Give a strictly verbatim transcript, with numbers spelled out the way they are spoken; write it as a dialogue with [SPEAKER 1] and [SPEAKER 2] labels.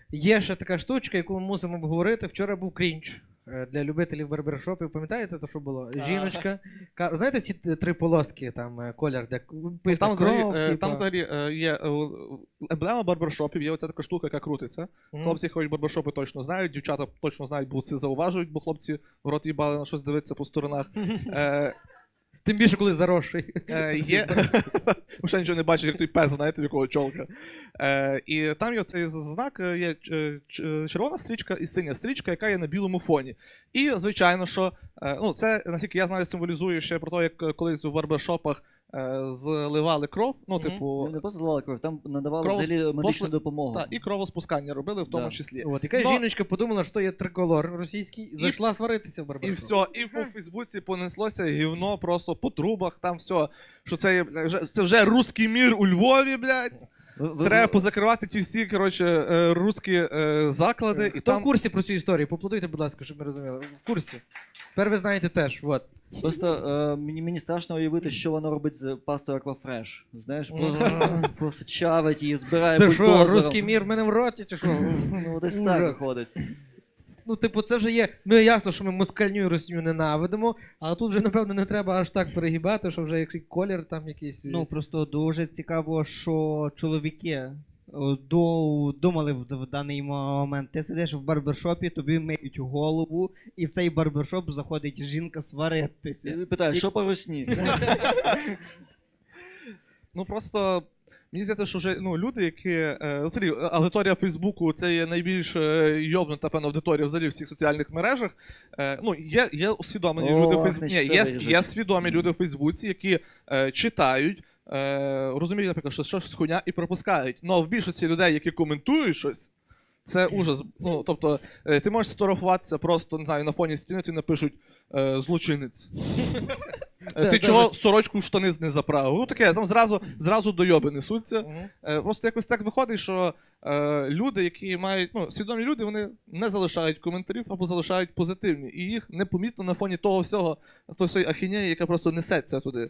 [SPEAKER 1] є ще така штучка, яку ми мусимо обговорити. Вчора був крінж для любителів барбершопів. Пам'ятаєте, то що було? Жіночка. Ка- Знаєте ці три полоски, там е, колір, де пишуть
[SPEAKER 2] Там взагалі,
[SPEAKER 1] кров,
[SPEAKER 2] е,
[SPEAKER 1] типа?
[SPEAKER 2] там взагалі е, є е, емблема барбершопів, є оця така штука, яка крутиться.
[SPEAKER 1] Мгм.
[SPEAKER 2] Хлопці, які ходять в барбершопи, точно знають, дівчата точно знають, бо це зауважують, бо хлопці в рот їбали на щось дивитися по сторонах. Е,
[SPEAKER 1] Тим більше, коли заросший.
[SPEAKER 2] Е, є... Ще нічого не бачиш, як той пес, знаєте, в якого чолка. Е, і там є цей знак, є е, ч- червона стрічка і синя стрічка, яка є на білому фоні. І, звичайно, що, е, ну, це, наскільки я знаю, символізує ще про те, як колись у барбершопах е, зливали кров, ну,
[SPEAKER 1] Мгм.
[SPEAKER 2] типу,
[SPEAKER 3] Ну, не просто зливали кров, там надавали
[SPEAKER 2] Кров-
[SPEAKER 3] взагалі медичну
[SPEAKER 2] послуг-
[SPEAKER 3] допомогу.
[SPEAKER 2] та, і кровоспускання робили в тому
[SPEAKER 3] Да.
[SPEAKER 2] числі.
[SPEAKER 1] От, яка
[SPEAKER 2] Но-
[SPEAKER 1] жіночка подумала, що є триколор російський, зайшла сваритися в
[SPEAKER 2] І
[SPEAKER 1] барбершоп.
[SPEAKER 2] все, і по Фейсбуці понеслося гівно просто по трубах, там все, що це, є, бля, вже- це вже русський мір у Львові, блядь.
[SPEAKER 3] Ви- ви-
[SPEAKER 2] Треба позакривати ті всі, коротше, е, русські е, заклади. І
[SPEAKER 1] Хто
[SPEAKER 2] там...
[SPEAKER 1] в курсі про цю історію? Поплодуйте, будь ласка, щоб ми розуміли. В курсі. Тепер ви знаєте теж. От.
[SPEAKER 3] Просто е, мені, мені страшно уявити, що воно робить з пастою Аквафреш. Знаєш, просто, просто чавить її, збирає
[SPEAKER 1] Це що,
[SPEAKER 3] бульдозером.
[SPEAKER 1] русський мір в мене в роті, чи що?
[SPEAKER 3] Ну, десь
[SPEAKER 1] Ужас.
[SPEAKER 3] так виходить.
[SPEAKER 1] Ну, типу, це вже є. Ну, ясно, що ми москальню і росню ненавидимо, але тут вже, напевно, не треба аж так перегибати, що вже якийсь колір там якийсь.
[SPEAKER 4] Ну просто дуже цікаво, що чоловіки о, до, думали в, в даний момент. Ти сидиш в барбершопі, тобі миють голову, і в цей барбершоп заходить жінка сваритися.
[SPEAKER 3] І питаю, що по русні?
[SPEAKER 2] Ну просто мені здається, що вже ну, люди, які. Е, взагалі, аудиторія Фейсбуку це є найбільш е, йобнута, певно, аудиторія взагалі в всіх соціальних мережах. Е, ну, є, є усвідомлені
[SPEAKER 3] О,
[SPEAKER 2] люди в Фейсбуці.
[SPEAKER 3] значить,
[SPEAKER 2] Ні,
[SPEAKER 3] це
[SPEAKER 2] є,
[SPEAKER 3] виріжуть.
[SPEAKER 2] є свідомі люди в Фейсбуці, які е, читають, е, розуміють, наприклад, що щось хуйня і пропускають. Ну, в більшості людей, які коментують щось. Це ужас. Ну, тобто, е, ти можеш сфотографуватися просто, не знаю, на фоні стіни, ти напишуть е, злочинець. Е,
[SPEAKER 1] Да,
[SPEAKER 2] Ти
[SPEAKER 1] да,
[SPEAKER 2] чого
[SPEAKER 1] ви-
[SPEAKER 2] сорочку в штани не заправив? Ну таке, там зразу, зразу дойоби несуться.
[SPEAKER 1] Мгм.
[SPEAKER 2] Е, Просто якось так виходить, що е, люди, які мають, ну, свідомі люди, вони не залишають коментарів або залишають позитивні. І їх непомітно на фоні того всього, того всієї ахінеї, яка просто несеться туди.